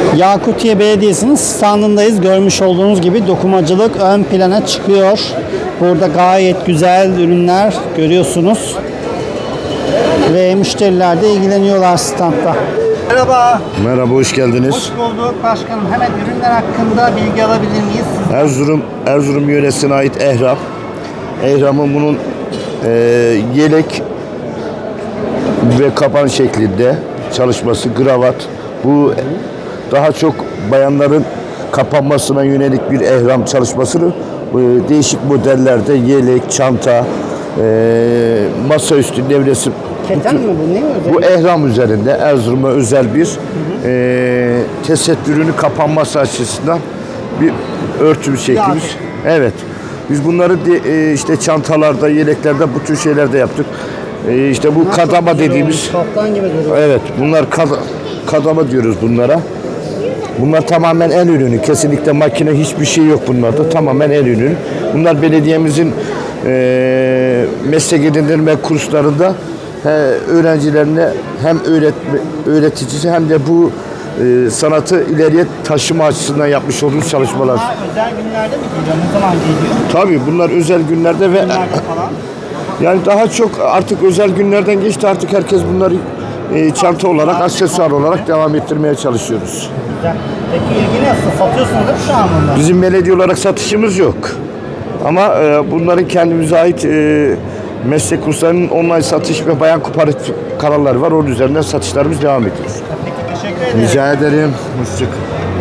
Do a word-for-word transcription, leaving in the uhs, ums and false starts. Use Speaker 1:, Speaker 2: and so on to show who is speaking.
Speaker 1: Yakutiye Belediyesi'nin standındayız. Görmüş olduğunuz gibi dokumacılık ön plana çıkıyor. Burada gayet güzel ürünler görüyorsunuz. Ve müşteriler de ilgileniyorlar standta. Merhaba.
Speaker 2: Merhaba, hoş geldiniz.
Speaker 1: Hoş bulduk başkanım. Hemen ürünler hakkında bilgi alabilir miyiz?
Speaker 2: Erzurum, Erzurum yöresine ait ehram. Ehramın bunun e, yelek ve kapan şeklinde çalışması, kravat. Bu daha çok bayanların kapanmasına yönelik bir ehram çalışmasını e, değişik modellerde yelek, çanta, e, masaüstü devresi.
Speaker 1: Keten mi bu? Ne özel?
Speaker 2: Bu ehram üzerinde Erzurum'a özel bir e, tesettürünü kapanması açısından bir örtü şeklimiz. Evet. Biz bunları de, e, işte çantalarda, yeleklerde, bu tür şeylerde yaptık. E, işte bu
Speaker 1: Bunlar
Speaker 2: kadama
Speaker 1: çok güzel
Speaker 2: dediğimiz.
Speaker 1: olmuş. Kaftan gibi duruyor.
Speaker 2: Evet. Bunlar kad, kadama diyoruz bunlara. Bunlar tamamen el ürünü. Kesinlikle makine hiçbir şey yok bunlarda. Tamamen el ürünü. Bunlar belediyemizin e, meslek edindirme kurslarında he, öğrencilerine hem öğretme, öğreticisi hem de bu e, sanatı ileriye taşıma açısından yapmış olduğumuz çalışmalar.
Speaker 1: Bunlar özel günlerde mi geliyor? Ne zaman geliyor?
Speaker 2: Tabii bunlar özel günlerde ve
Speaker 1: Günlerde falan.
Speaker 2: yani daha çok artık özel günlerden geçti. Artık herkes bunları e, çanta olarak, aksesuar olarak devam ettirmeye çalışıyoruz.
Speaker 1: Güzel. Peki ilgi nasıl? Satıyorsunuz da şu an bunları?
Speaker 2: Bizim belediye olarak satışımız yok. Ama e, bunların kendimize ait e, meslek kurslarının online satış ve bayan kooperatif kanalları var. Onun üzerinden satışlarımız devam ediyor.
Speaker 1: Peki teşekkür ederim.
Speaker 2: Rica ederim. Hoşçakalın.